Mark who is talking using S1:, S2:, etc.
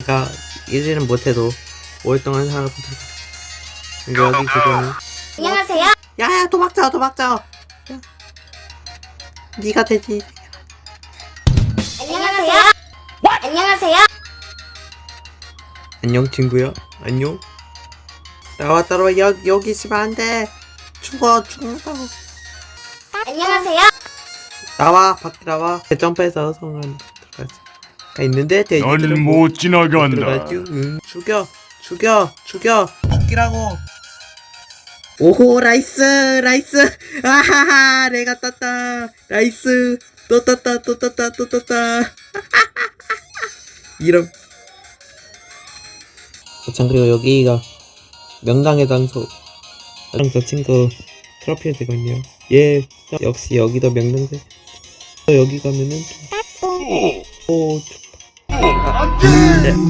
S1: 그러니까 일일은 못해도 5일 동안 살아보자. 여기 그거는
S2: 안녕하세요.
S1: 야야 도망쳐 야. 네가 되지.
S2: 안녕하세요. 안녕하세요.
S1: 안녕 친구야. 안녕. 따라와 여기 있으면 안돼. 죽는다고.
S2: 안녕하세요.
S1: 나와 밖에 나와. 점프해서 성 안에 들어가지. 있는데 돼지들은
S3: 넌 못 지나간다.
S1: 들어가지. 응. 죽이라고. 오호 라이스. 아하하 내가 떴다. 라이스 또 떴다. 이런. 참 그리고 여기가 명당의 장소. 저 친구 트로피가 되거든요. 예, 역시 여기도 명당대. 여기 가면은 오.